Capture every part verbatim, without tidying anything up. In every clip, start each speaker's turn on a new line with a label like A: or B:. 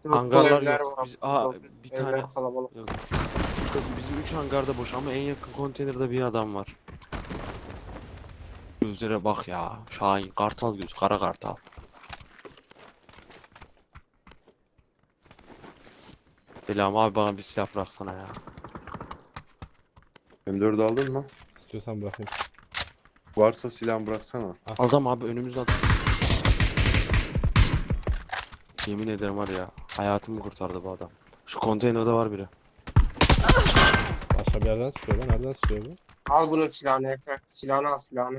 A: Dört dolu
B: Hangarlar
A: evler
B: yok.
A: var.
B: Biz,
A: haberiniz
B: aa
A: olsun.
B: bir tane
A: Evler kalabalık.
B: yok. Yok, bizim üç hangarda boş ama en yakın konteynerde bir adam var. Gözlere bak ya. Şahin, kartal göz, kara kartal. Selam abi, bana bir silah bıraksana ya.
C: M dört aldın mı?
D: İstiyorsan bırakayım.
C: Varsa silah bıraksana.
B: Adam abi önümüzde adam. Yemin ederim var ya, hayatımı kurtardı bu adam. Şu konteynerde var biri.
D: Başka bir yerden sıkıyor lan. Nereden sıkıyor bu?
A: Al bunun silahını Efe. Silahını al silahını.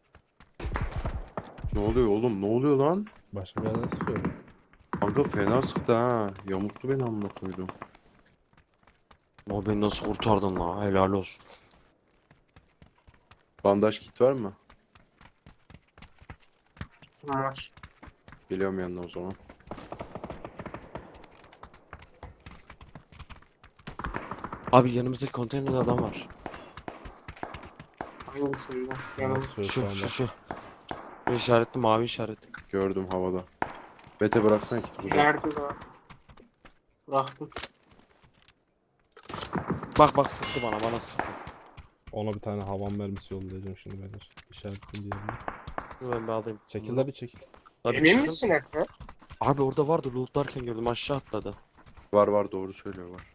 C: Ne oluyor oğlum? Ne oluyor lan?
D: Başka bir yerden sıkıyor bu.
C: Kanka fena sıktı ha. Yamuktu beni amına koydum.
B: O beni nasıl kurtardın la, helal olsun.
C: Bandaj kit var mı?
A: Kim var?
C: Geliyorum yanına o zaman.
B: Abi yanımızdaki konteynerde adam var.
A: Hangisinde?
D: Nereden
A: Yanımda.
D: sıkıyor şu
B: Şu
D: anda?
B: şu şu. Bu işaretli, mavi işaret.
C: Gördüm havada. Bete bıraksana kit uzak.
A: Nerede var? Bıraktım.
B: Bak bak, sıktı bana, bana sıktı.
D: Ona bir tane havan mermisi yollayacağım şimdi beyler. İşaretli diyelim.
B: Dur ben bir alayım.
D: Çekil la bir çekil.
B: Abi
A: Emin
B: çıkın.
A: misin Efe?
B: Abi orada vardı, lootlarken gördüm, aşağı atladı.
C: Var var doğru söylüyor var.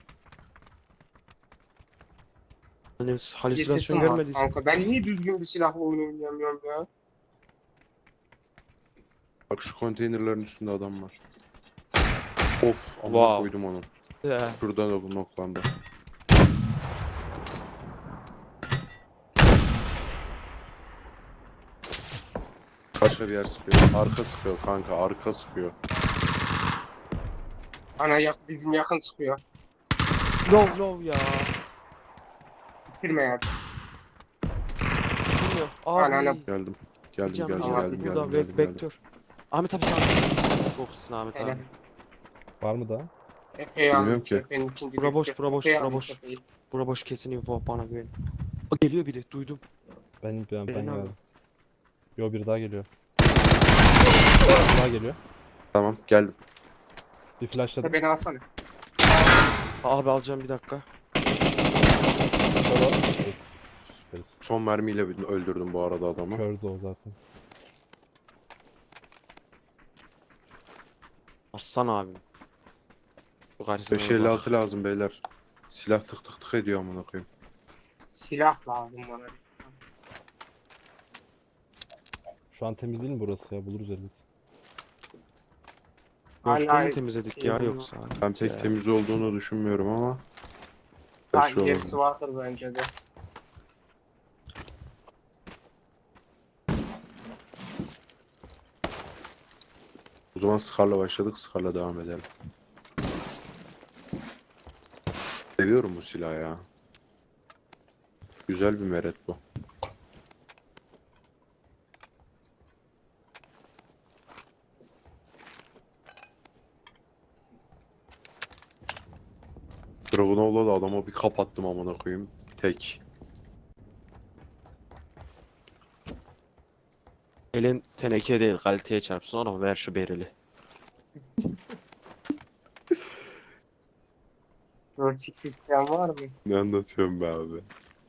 B: Hani
A: Bir
B: halüsinasyon
A: sesim var
B: görmediysen.
A: kanka. Ben niye düzgün bir silahla oyun oynayamıyorum ya?
C: Bak şu konteynerlerin üstünde adam var. Of amına
B: Wow.
C: koydum onu.
B: He.
C: Şurada da bu noklandı. Başka bir yer sıkıyor. Arka sıkıyor kanka arka sıkıyor.
A: Ana yak bizim yakın sıkıyor.
B: Lov lov ya.
A: Bitirme ya.
B: Bilmiyor.
A: Ana, ana.
B: Abi.
C: Geldim.
B: Bir
C: Geldim
B: canım
C: geldim
A: tamam.
B: var.
C: geldim
B: Burada
C: geldim
B: ve
C: geldim geldim.
B: vektör. Ahmet abi sen. Çok iyisin Ahmet
A: Hele.
B: abi.
D: Var mı daha?
A: Efe'yi aldım.
C: Bilmiyorum ki.
A: Efe'nin ikinci
B: Bura boş,
A: düştü.
B: bura boş,
A: Efe'yi
B: bura
A: aldım,
B: boş.
A: Efe'yi.
B: Bura boş, kesin info, bana güven. Aa, geliyor biri, duydum.
D: Ben ben, ben
B: Benim abi.
D: geldim. Yo bir daha geliyor. Bir daha geliyor.
C: Tamam geldim.
D: Bir flashladım.
A: Beni alsana.
B: Abi alacağım, bir dakika.
D: Sonra... Of, süperiz.
C: Son mermiyle bir- öldürdüm bu arada adamı.
D: Kördü o zaten.
B: Aslan abi. Bu karşısına
C: beş
B: bak.
C: elli altı lazım beyler. Silah tık tık tık ediyor amına koyayım.
A: Silah lazım bana.
D: Şu an temiz değil mi burası ya? Buluruz elbet.
B: Boşluğu
A: Hala
B: mu temizledik ya
A: şey
B: yoksa?
C: Ben pek
B: Ya.
C: temiz olduğunu düşünmüyorum ama.
A: daha
C: Her şey
A: gerisi
C: olabilir.
A: vardır bence de.
C: O zaman Scar'la başladık. Scar'la devam edelim. Seviyorum bu silahı ya. Güzel bir meret bu. Dragunov'la da adama bir kapattım amına koyayım. Tek.
B: Elin teneke değil, kaliteye çarpsın, sonra ver şu bereli.
A: dört x isteyen var mı?
C: Ne anlatıyorum be abi?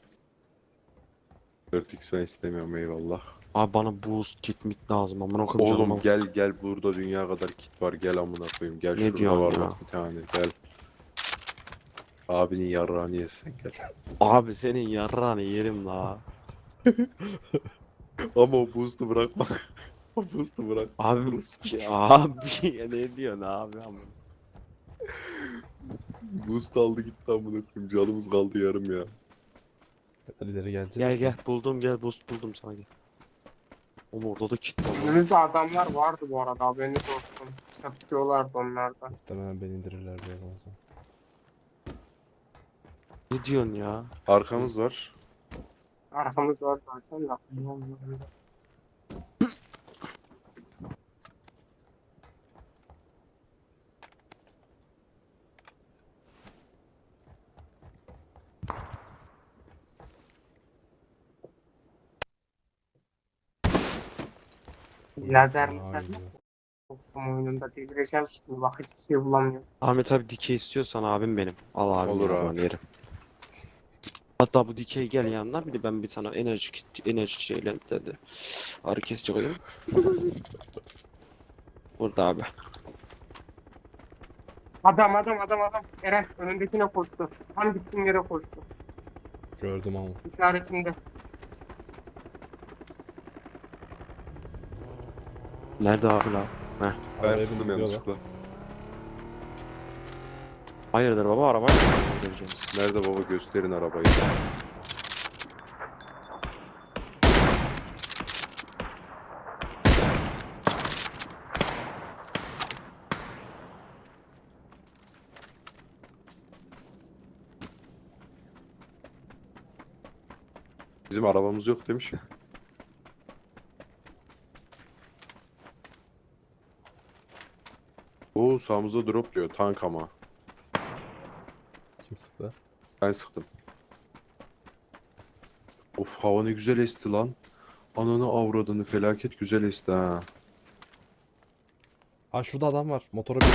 C: dört x ben istemiyorum eyvallah.
B: Abi bana boost kit mit lazım, amına koyayım
C: Oğlum
B: canıma.
C: gel gel burada dünya kadar kit var gel amına koyayım. Gel
B: Ne
C: şurada
B: diyorsun
C: var
B: ya?
C: bak bir tane gel. Abinin yarrağını yesen gel.
B: Abi senin yarrağını yerim la.
C: Ama o boost'u bırakma. O boost'u bırak.
B: Abi ki- abi ya ne diyorsun abi amına.
C: Boost aldı gitti amına koyayım. Canımız kaldı yarım ya.
D: Hadi ileri geleceğiz.
B: Gel gel, buldum, gel boost buldum sana, gel. Oğlum orada da kit var lan.
A: Önümüzde adamlar vardı bu arada haberiniz olsun. Yapıyorlardı onlardan.
D: Muhtemelen beni indirirler bir yerden sonra.
B: Ne diyorsun ya?
C: Arkamız var.
A: Arkamız var zaten de. Bilmiyorum. Lazer
D: Aa,
A: lazer.
D: gidiyor.
A: Ama oyununda delireceğim şimdi. Bak hiçbir şey bulamıyorum.
B: Ahmet abi dikey istiyorsan abim benim. Al abim
C: Olur
B: ya,
C: abi.
B: ben yerim. Hatta bu dikey gel yanına, bir de ben bir sana enerji kit, enerji şeyle dedi. Ağrı kesici koyayım. Burada abi.
A: Adam adam adam adam. Eren önündekine koştu. Tam gittiğin yere koştu.
D: Gördüm ama.
A: İşaretinde.
B: Nerede abi la? Heh.
C: Ben
D: Arabaya
C: sıktım
D: binip gidiyorlar.
C: yanlışlıkla.
B: Hayırdır baba, arabayla mı geleceğiz?
C: Nerede baba, gösterin arabayı. Bizim arabamız yok demiş. Oo, sağımızda drop diyor. Tank ama.
D: Kim sıktı?
C: Ben sıktım. Of, hava ne güzel esti lan. Ananı avradını, felaket güzel esti ha.
D: Ha şurada adam var. Motora biniyor.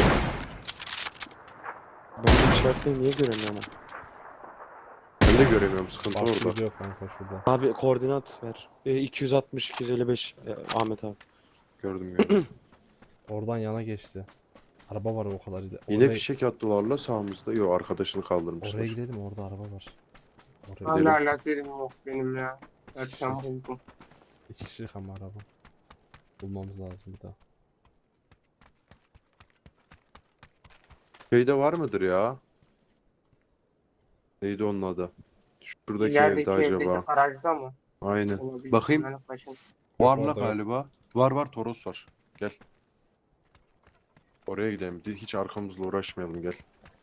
B: Ben bu işaretleri niye göremiyorum?
C: Ben de göremiyorum, sıkıntı
D: Bak
C: orada.
D: gidiyor kanka şurada.
B: Abi koordinat ver. E, iki yüz altmış iki yüz elli beş e, Ahmet abi.
C: Gördüm gördüm.
D: Oradan yana geçti. Araba var o kadar.
C: Yine
D: Oraya,
C: fişek attılar la sağımızda. Yok, arkadaşını kaldırmışlar.
D: oraya gidelim, orada araba var. Oraya
C: Gidelim.
A: Hala lazerim yok benim ya. Erken buldum.
D: İki kişilik ama araba. Bulmamız lazım bir daha.
C: Şeyde var mıdır ya? Neydi onun adı? Şuradaki
A: İlerideki
C: evde
A: evdeki
C: acaba.
A: garajda mı?
C: Aynen.
A: Olabilir.
C: Bakayım.
A: Ben başım-
C: Var
D: Yok,
C: la
D: orada yok.
C: galiba. Var var, Toros var. Gel. Oraya gidelim. Hiç arkamızla uğraşmayalım, gel.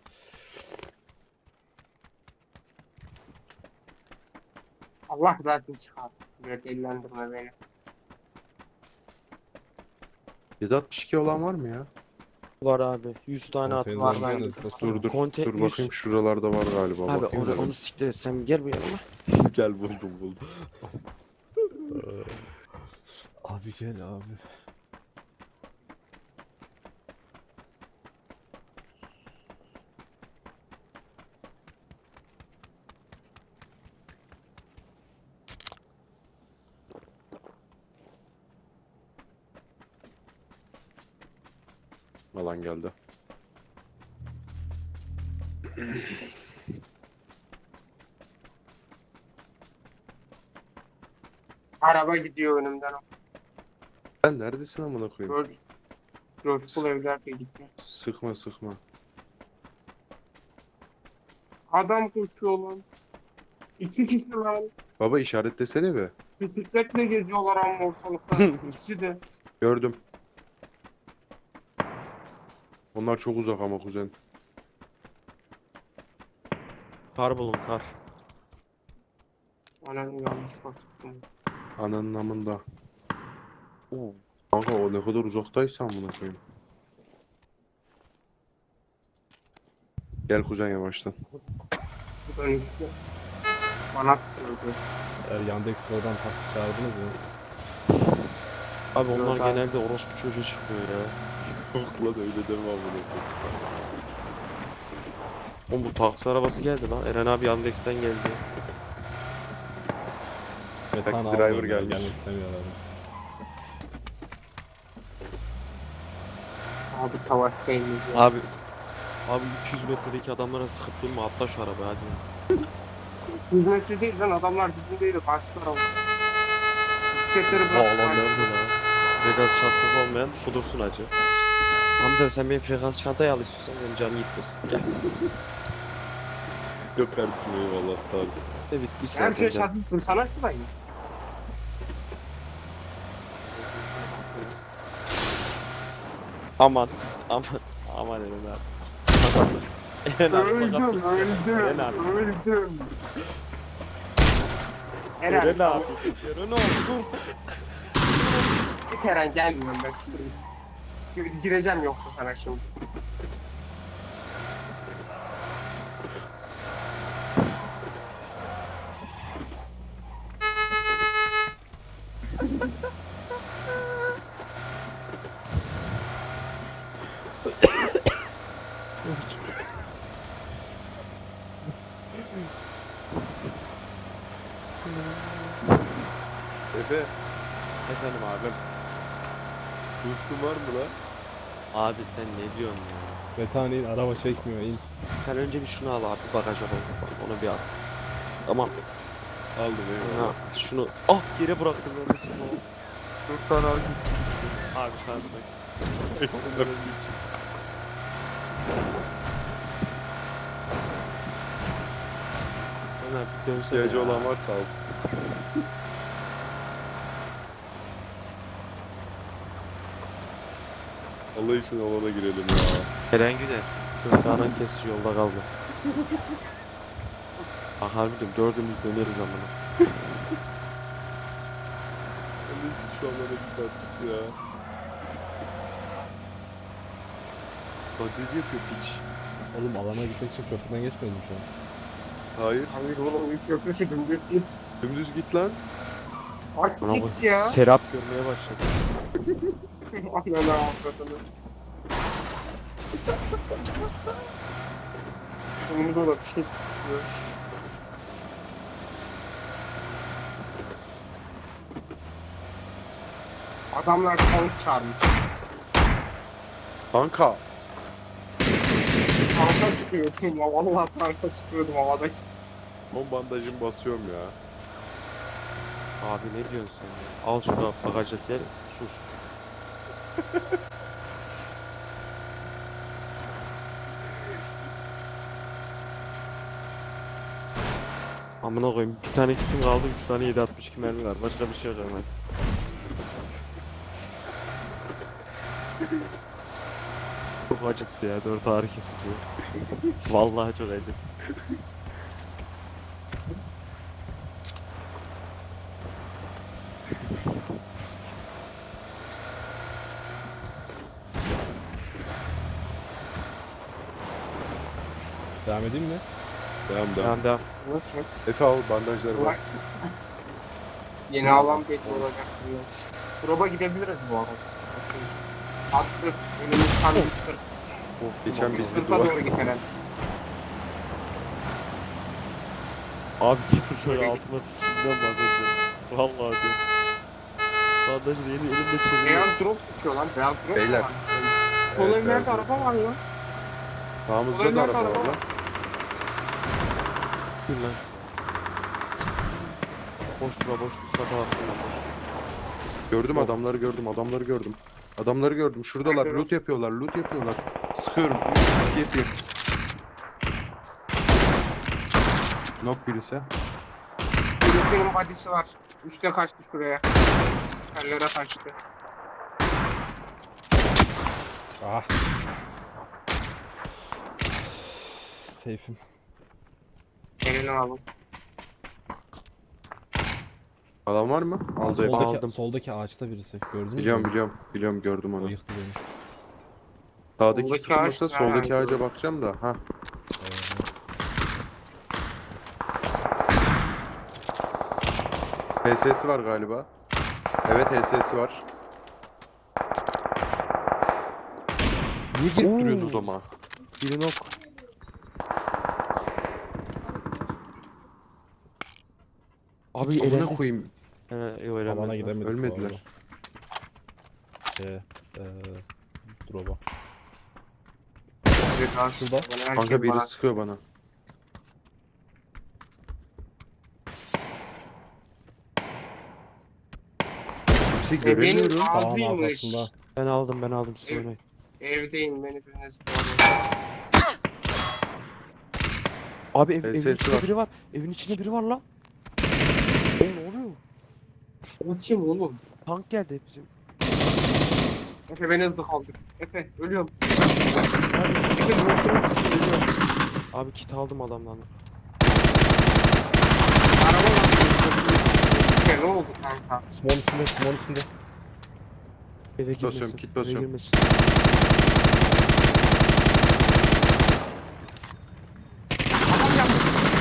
A: Allah zaten çıkar. Böyle delilendirme beni.
C: yedi altmış iki olan var mı ya?
B: Var abi. yüz tane at
D: Konteynerlerin
A: var
B: var.
A: bende.
D: üstüne zıplasana.
C: Dur dur.
B: Konte-
C: dur
B: yüz.
C: bakayım, şuralarda var galiba.
B: Abi
C: Bakayım
B: onu,
C: da ben.
B: onu siktir et. Sen gel bu yanıma.
C: Gel, buldum buldum.
D: Abi gel abi.
C: Alan geldi.
A: Araba gidiyor önümden.
C: Sen neredesin amına koyayım?
A: Gördüm. Coşkulu evlerle gitti.
C: Sıkma sıkma.
A: Adam koşuyor lan. İki kişi lan.
C: Baba işaretlesene be.
A: Bisikletle geziyorlar ama ortalıkta. İkisi de.
C: Gördüm. Onlar çok uzak ama kuzen.
B: Kar bulun kar.
A: Anam yanlış bastım.
C: Ananın amında.
B: Oo.
C: Kanka o ne kadar uzaktaysa amına koyayım. Gel kuzen yavaştan.
A: Bu da işte. Bana sıkıyordu.
D: Eğer Yandex oradan taksi çağırdınız mı?
B: Abi onlar
A: Yok abi.
B: genelde orospu çocuğu çıkıyor ya.
C: Yok lan, öyle deme amına koyayım.
B: Oğlum bu taksi arabası geldi lan. Eren abi Yandex'ten geldi.
D: Metan
C: Taxi
D: almıyor
C: driver
D: ya,
C: gelmiş.
D: Gelmek istemiyor abi.
A: Abi savaş değil ya.
B: Abi Abi iki yüz metredeki adamlara sıkıp durma, atla şu arabaya hadi.
A: Hizmetçi değil lan, adamlar dibindeydi. Kaçtı araba. Bisikletleri
B: Aa
A: bırakıp
B: lan
A: kaçtı.
B: nerede lan? Frekans çantası olmayan kudursun acı. Hamza sen benim frekans çantayı al istiyorsan, benim canım gitmesin. Gel.
C: Yok kardeşim, eyvallah, sağ ol.
B: Ne bitmiş
A: Her
B: zaten
A: şey
B: canım.
A: çatışsın. Sana şurayı.
B: Aman aman aman Eren abi. Eren abi
A: Öldüm,
B: sakatlık çıkıyor. Eren abi.
A: öldüm, öldüm.
B: Eren
A: Eren,
B: abi. Eren abi dur.
A: git Eren, gelmiyorum ben şimdi. Gir- Gireceğim yoksa sana şimdi.
C: Efe,
B: Efendim abim.
C: boost'un var mı lan?
B: Abi sen ne diyorsun ya?
D: Metan in, araba çekmiyor in.
B: Sen önce bir şunu al abi bagaja koy. Bak, onu bir al. Tamam.
C: Aldım
B: Ha,
C: eyvallah.
B: şunu ah yere bıraktım ben de şunu. Dört tane herkes abi şanslıyız. Ömer bir dönsene
C: İhtiyacı
B: ya.
C: olan varsa alsın. Allah için alana girelim ya.
B: Eren Güner. Dört tane kesici yolda kaldı. Bak harbiden dördümüz döneriz amına.
C: Allah için şu alana git artık ya. Fantezi yapıyor piç.
D: Oğlum alana gitmek için köprüden geçmedim şu an.
C: Hayır.
A: Hayır oğlum üç köprüsü dümdüz git.
C: Dümdüz git lan.
A: Aç
B: Bana
A: git
B: bak,
A: ya.
B: Serap görmeye başladı.
A: Ananı avradını. Sonunda da bir şey çıkıyor. Adamlar tank çağırmış.
C: Kanka.
A: Tanka çıkıyordum. Vallahi tanka çıkıyordum havada işte.
C: On bandajımı basıyorum ya.
B: Abi ne diyorsun sen ya? Al şunu bagajdaki sus. Amına koyayım bir tane kitim kaldı üç tane yedi altmış iki mermi var başka bir şey yok hemen. Çok acıttı ya dört ağrı kesici. Vallahi çok acıttı.
D: Devam edeyim mi?
C: Devam devam.
B: Devam devam.
A: Evet, evet.
C: Efe al bandajları bas.
A: Yeni alan belli olacak şimdi. Proba gidebiliriz bu arada. Attı. Önümüz tam yüz kırk.
C: Geçen
A: yüz
C: biz bir
A: kırka
C: duvar.
A: doğru gitmeden.
B: Abi sıfır şöyle altıma sıçayım ben bandajı. Vallahi diyorum. Bandajı da yeni elimde çeviriyor.
A: Beyaz drop tutuyor lan. Beyaz drop
C: Beyler.
A: var.
C: Evet,
A: Sol
C: beyaz
A: evlerde
C: drop.
A: araba var lan.
C: Sağımızda
A: Olaylar
C: da araba
A: da
C: var
A: araba.
C: lan.
B: Dur lan. Boş bura boş üst kata baksana boş.
C: Gördüm
B: Yok.
C: adamları gördüm adamları gördüm. Adamları gördüm. Şuradalar
A: Nerede
C: loot yapıyorlar loot yapıyorlar. Sıkıyorum. Yep yep. Nok birisi.
A: Birisinin badisi var. Üste kaçtı şuraya. Kellere kaçtı.
D: Ah. Safe'im.
A: Elini alın.
C: Adam var mı? Aldı Efe.
D: Soldaki,
B: aldım.
D: soldaki ağaçta birisi. Gördünüz
C: Biliyorum
D: mü?
C: biliyorum. Biliyorum gördüm
D: O
C: onu.
D: yıktı beni.
C: Sağdaki
A: Soldaki
C: sıkılmasa
A: ağaç
C: soldaki
A: nerede?
C: ağaca bakacağım da. Ha. H S'si var galiba. Evet H S'si var. Niye girip
B: Oo.
C: duruyorsun o zaman?
B: Biri nok. Abi
C: Amına
B: elendi.
C: koyayım.
B: He yok
D: Alana
B: elenmedi.
D: gidemedik. bu
C: Ölmediler.
D: arada. Şey, eee, drop'a.
A: Bir daha
D: Şurada.
A: Bana her
C: Kanka
A: şey
C: biri
A: bana.
C: sıkıyor bana. Kimse
A: E, benim
C: göremiyorum.
D: Dağın
A: ağzıymış.
D: arkasında.
B: Ben aldım ben aldım siz
A: Evet.
B: oynayın.
A: Evdeyim beni biriniz
B: Abi ev,
C: E,
B: evin
C: sesi
B: içinde
C: var.
B: biri var. Evin içinde biri var lan. Oğlum ne oluyor?
A: Bu kim oğlum?
B: Tank geldi bizim.
A: Efe beni hızlı kaldır. Efe ölüyorum. Efe ölüyorum.
B: Abi kit aldım adamdan.
A: Araba var. Efe ne oldu kanka?
D: Small içinde, small içinde.
B: Eve girmesin.
C: basıyorum, kit
B: eve
C: basıyorum.
B: girmesin.
A: Adam yaptı.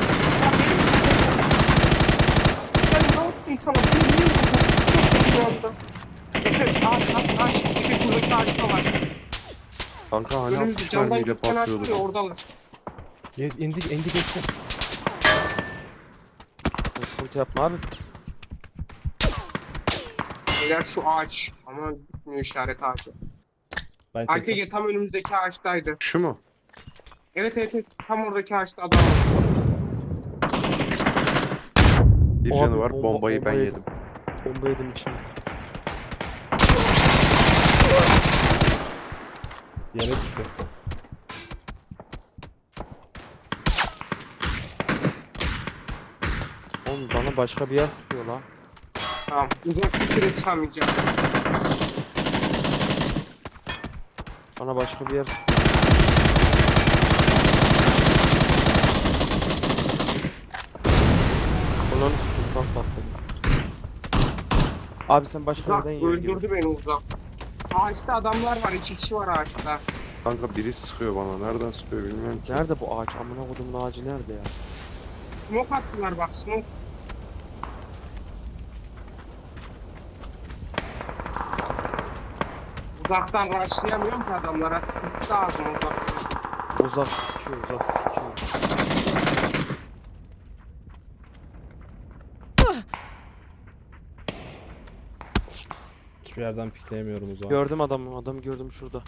A: Sen ne yaptın sana? Beni niye vurdun? Şu anda. Efe ağaç ağaç ağaç. Efe buradaki ağaçta var.
C: Kanka hani
A: Önümüzde
C: altmış
A: camdan
C: mermiyle
A: gözüken açtı ya
C: patlıyordu.
A: oradalar.
D: Ge- indi indi geçti.
B: Sen sıkıntı yapma abi.
A: Beyler şu ağaç. Ama bitmiyor işaret ağacı.
D: Ben çektim.
A: Arkaya tam önümüzdeki ağaçtaydı.
C: Şu mu?
A: Evet evet evet. Tam oradaki ağaçta adam var.
C: Bir
B: Abi,
C: canı var.
B: bomba-
C: Bombayı ben
B: bomba
C: yedim.
B: Bomba yedim içine.
D: Yere düştü.
B: Oğlum bana başka bir yer sıkıyor lan.
A: Tamam. Uzak bir süre çıkamayacağım.
B: Bana başka bir yer Ulan sultan patladı. Abi sen başka
A: Uzak
B: yerden yiyor gibi.
A: öldürdü beni uzak. Ağaçta adamlar var. İki kişi var ağaçta.
C: Kanka biri sıkıyor bana. Nereden sıkıyor bilmiyorum ki.
B: Nerede bu ağaç? Amına kodumun ağacı nerede ya?
A: Smoke attılar bak smoke. Uzaktan rushlayamıyorum ki adamlara. Sıktı ağzım uzaktan.
B: Uzak sikiyor, uzak sikiyor.
D: Hiçbir yerden pikleyemiyorum o zaman.
B: Gördüm adamı, adamı gördüm şurada.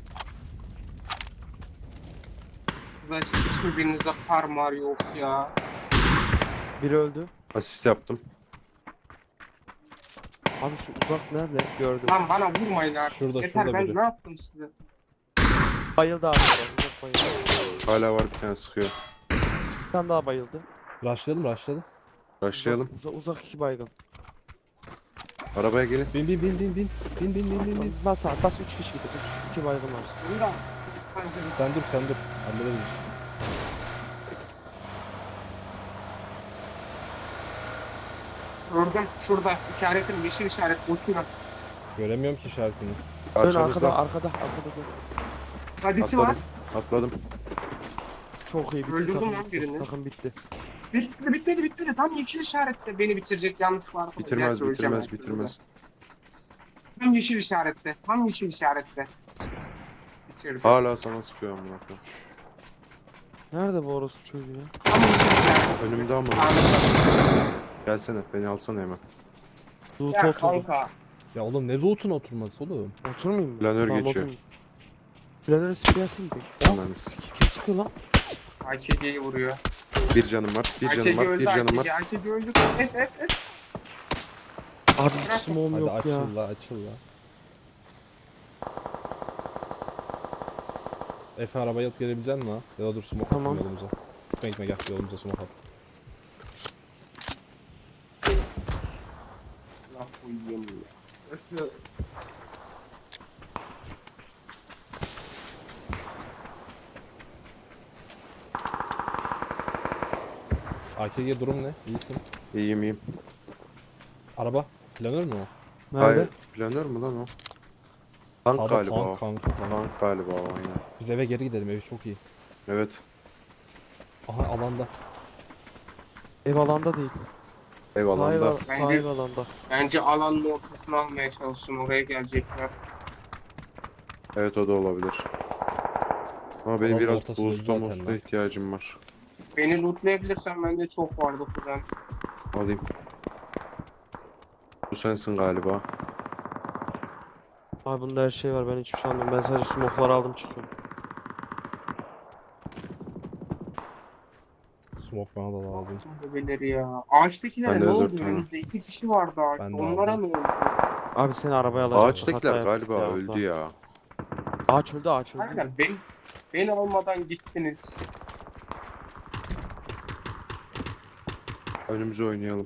A: Arkadaş hiç mi birinizde far mar yok ya?
B: Biri öldü.
C: Asist yaptım.
B: Abi şu uzak nerede? Gördüm.
A: Lan bana vurmayın artık.
D: Şurada,
A: Yeter
D: şurada
A: ben
D: biri.
A: ne yaptım size?
B: Bayıldı abi. Uzak bayıldı.
C: Hala var bir tane sıkıyor.
B: Bir tane daha bayıldı.
D: Rushlayalım rushlayalım.
C: Başlayalım.
B: Uzak, uzak iki baygın.
C: Arabaya gelin.
D: Bin bin bin bin bin. Bin bin bin bin bin.
B: Bas abi, bas üç kişi gidiyor. Üç, iki baygın var.
A: Bunu da.
D: Sen dur sen dur. Hallederiz.
A: Gördüm şurada işaretim yeşil işaret uçuyor.
D: Göremiyorum ki işaretini.
B: Dön arkada,
C: Arkamızda.
B: arkada, arkada dön.
A: Hadisi var.
C: Atladım. Atladım.
B: Çok iyi bitti.
A: Öldürdüm
B: takım
A: lan
B: bitti,
A: birini.
B: Takım bitti.
A: Bitti bitmedi bitmedi. Tam yeşil işarette beni bitirecek yanlış var.
C: Bitirmez
A: Gerçi öleceğim
C: bitirmez
A: ben
C: bitirmez.
A: şurada. Tam yeşil işarette. Tam yeşil işarette. Bitirdim.
C: Hala sana sıkıyor amına koyayım.
B: Nerede bu orospu çocuğu ya?
A: Tam yeşil işarette.
C: Önümde ama.
A: Anladım.
C: Gelsene beni alsana hemen.
B: Loot
A: Ya
B: oturdu.
A: kanka.
D: Ya oğlum ne loot'un oturması oğlum.
B: Oturmayayım mı?
C: Planör
B: Tamam,
C: geçiyor.
B: oturmayayım. Planöre sprey atayım bir.
C: Ananı sik.
B: Kim sıkıyor lan?
A: A K G'yi vuruyor.
C: Bir canım var. Bir
A: A K
C: canım
A: G
C: var.
A: öldü
C: Bir
A: A K
C: canım
A: G.
C: var.
A: A K G öldü. Evet evet evet.
B: Abi hiç smoke'um
D: Hadi
B: yok ya.
D: açıl la açıl la. Efe arabayı alıp gelebilecek misin la? Ya da dur smoke
B: Tamam.
D: atayım yolumuza. Gitme gitme gel yolumuza smoke at.
A: Laf uyuyamıyor.
D: A K G durum ne? İyisin.
C: İyiyim iyiyim.
D: Araba. Planör mü o?
B: Nerede?
C: Hayır. Planör mü lan o? Tank
D: Sağda
C: galiba o.
D: tank kanka tank.
C: Tank galiba o aynen.
D: Biz eve geri gidelim ev çok iyi.
C: Evet.
D: Aha alanda.
B: Ev alanda değil.
C: Ev
B: Sahil,
C: alanda.
B: al-
A: Bence-
B: sahil alanda.
A: Bence alanın ortasını almaya çalışsın. Oraya gelecekler.
C: Evet o da olabilir. Ama benim
D: Alanın
C: biraz
D: ortasında
C: boost'a
D: zaten
C: boost'a
D: lan.
C: ihtiyacım var.
A: Beni lootlayabilirsen bende çok vardı kuzen.
C: Alayım. Bu sensin galiba.
B: Abi bunda her şey var, ben hiçbir şey almıyorum. Ben sadece smoke'ları aldım çıkıyorum.
D: Smoke bana da lazım.
A: Bebeleri ya. Ağaçtakilere
C: Ben de
A: ne oldu?
C: dört tane.
A: Önümüzde iki kişi vardı ağaçta.
D: Ben de
A: Onlara
D: aldım.
A: ne oldu?
B: Abi seni arabaya alacağım.
C: Ağaçtakiler
B: Hata yaptık
C: galiba
B: ya,
C: öldü
B: Allah.
C: ya.
B: Ağaç öldü, ağaç öldü.
A: Aynen ben, beni almadan gittiniz.
C: Önümüze oynayalım.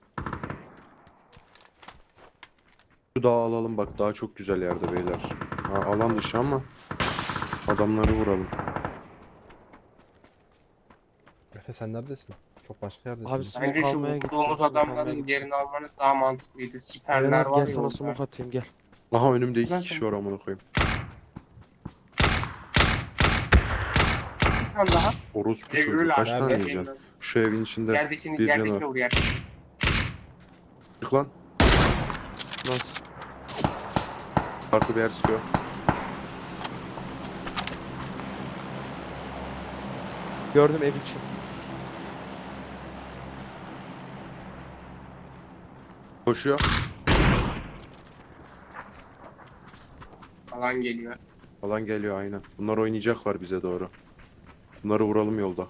C: Şu dağı alalım bak, daha çok güzel yerde beyler. Ha, alan dışı ama adamları vuralım.
D: Efe sen neredesin? Çok başka yerdesin.
B: Abi
A: Bence
B: smoke
A: şu
B: almaya gittim.
A: vurduğumuz
B: smoke almaya
A: adamların
B: gittim.
A: yerini almanız daha mantıklıydı.
B: Eren
A: Siperler
B: abi
A: var
B: gel
A: ya
B: sana
A: orada.
B: smoke atayım gel.
C: Aha önümde iki
A: Ben
C: kişi
A: sana-
C: var amına koyayım.
A: Bir tane daha.
C: Orospu
A: Ev
C: çocuğu
A: öyle
C: kaç
A: abi.
C: tane
A: Yerdekini-
C: yiyeceksin? Şu evin içinde
A: Yerdekini,
C: bir canı
A: yerdekini
C: var.
A: vur yerdekini.
C: Çık lan.
B: Nasıl?
C: Farklı bir yer sıkıyor.
B: Gördüm ev içi.
C: Koşuyor.
A: Alan geliyor.
C: Alan geliyor aynen. Bunlar oynayacaklar bize doğru. Bunları vuralım yolda.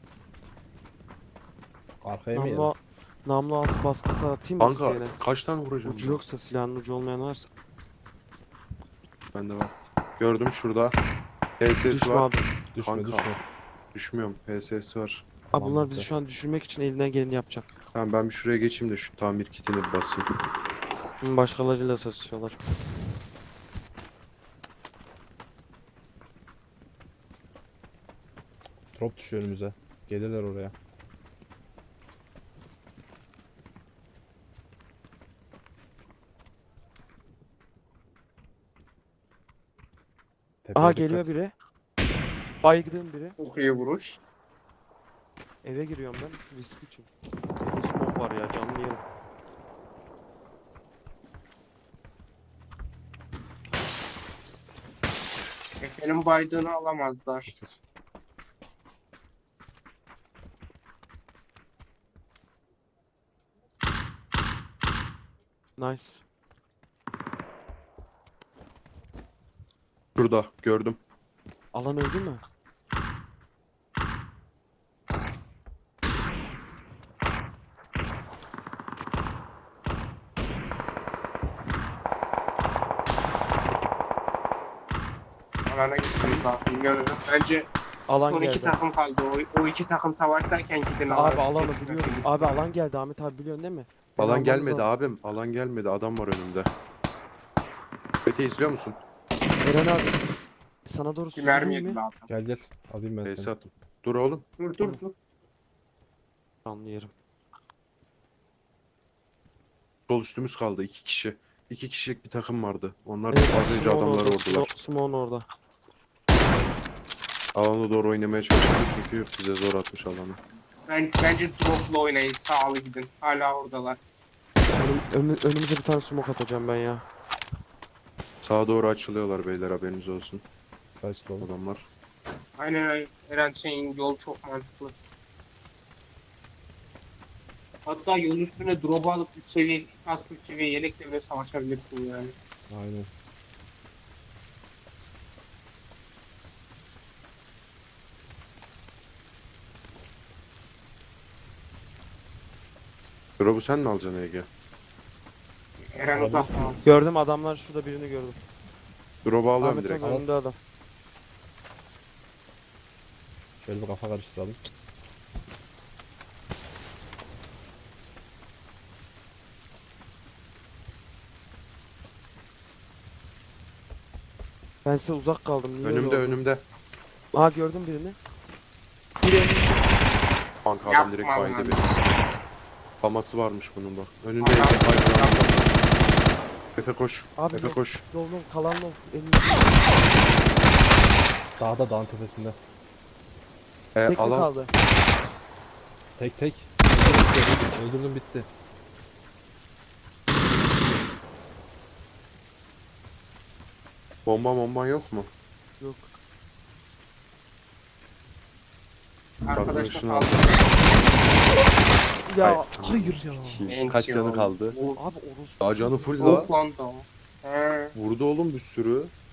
D: Arkaya mı
B: Namlu,
D: yedim?
B: namlu altı baskısı atayım mı
C: Kanka
B: isteyene?
C: kaç tane vuracağım?
B: Ucu
C: ben?
B: yoksa silahın ucu olmayan varsa.
C: Bende var. Gördüm şurada. H S S
B: Düşme
C: var.
B: abi.
D: Düşme
C: Kanka.
D: düşme.
C: Düşmüyorum. H S S var.
B: Abi
D: Tamam,
B: bunlar
D: bitti.
B: bizi şu an düşürmek için elinden geleni yapacak.
C: Tamam ben bir şuraya geçeyim de şu tamir kitini bir basayım.
B: Hı, başkalarıyla satışıyorlar.
D: Drop düşüyor önümüze. Gelirler oraya. Tepeye
B: Aha
D: dikkat.
B: geliyor biri. Baygın biri.
A: Çok iyi vuruş.
B: Eve giriyorum ben risk için. Evde smoke var ya canlı yerim.
A: Efe'nin baydığını alamazlar.
B: Nice.
C: Şurada gördüm.
B: Alan öldü mü?
A: Alana gitmemiz lazım. Bilmiyorum. Bence
B: Alan
A: son iki
B: geldi.
A: takım kaldı. O, o iki takım savaşlarken gidin alana.
B: Abi alanı
A: Çekil,
B: biliyorum.
A: çekil.
B: Abi alan geldi Ahmet abi biliyorsun değil mi? Beni
C: Alan
B: almanız
C: gelmedi
B: lazım.
C: abim. Alan gelmedi. Adam var önümde. Öte izliyor musun?
B: Eren abi. Sana doğru
A: Bir mermi
B: süzüleyim
A: yedi
B: mi?
A: daha.
D: Gel gel. Alayım ben
C: H S
D: seni.
C: atın. Dur oğlum.
A: Dur dur dur.
B: Canlı yerim.
C: Sol üstümüz kaldı. iki kişi. İki kişilik bir takım vardı. Onlar
B: Evet,
C: az önce
B: Simon
C: adamları
B: orada,
C: vurdular.
B: Smo- Simon orada.
C: Alana doğru oynamaya çalışıyor çünkü bize zor atmış alanı.
A: Ben, bence drop'la oynayın. Sağlı gidin. Hala oradalar.
B: Önüm, önü- önümüze bir tane smoke atacağım ben ya.
C: Sağa doğru açılıyorlar beyler haberiniz olsun.
D: Saçlı oğlum.
C: Adamlar.
A: Aynen aynen. Eren şeyin yol çok mantıklı. Hatta yol üstüne drop alıp bir seviye, kask bir seviye yelekle bile savaşabilirsin yani.
D: Aynen.
C: Drop'u sen mi alacaksın Ege?
A: Eren
D: Alabilirsiniz.
A: uzaktan.
B: Gördüm adamlar şurada birini gördüm.
C: Drop'u alıyorum
B: Ahmet
C: direkt.
B: abi önünde adam.
D: Şöyle bir kafa karıştıralım.
B: Ben size uzak kaldım. Niye öyle
C: Önümde
B: oldu?
C: önümde.
B: Aha gördüm birini. Biri önümde.
C: Kanka adam
A: Yapma
C: direkt
A: lan.
C: baydı beni. Faması varmış bunun bak. Önünde
A: Adam-
C: Efe baydı. Efe koş.
B: Abi
C: Efe
B: yok.
C: koş.
B: Lol lol kalan lol. Elimde.
D: Dağda dağın tepesinde.
C: E,
B: Tek mi
C: alan
B: kaldı?
D: Tek tek. Öldürdüm, öldürdüm bitti.
C: bomba bomban yok mu?
B: Yok.
A: Arkadaşla
C: Arkadaşını
A: kaldı.
B: Ya
C: Ay,
B: hayır ya.
C: sikeyim. Kaç canı kaldı?
A: O,
B: Abi orospu.
C: Daha canı full la.
A: o lan da o. He.
C: Vurdu oğlum bir sürü.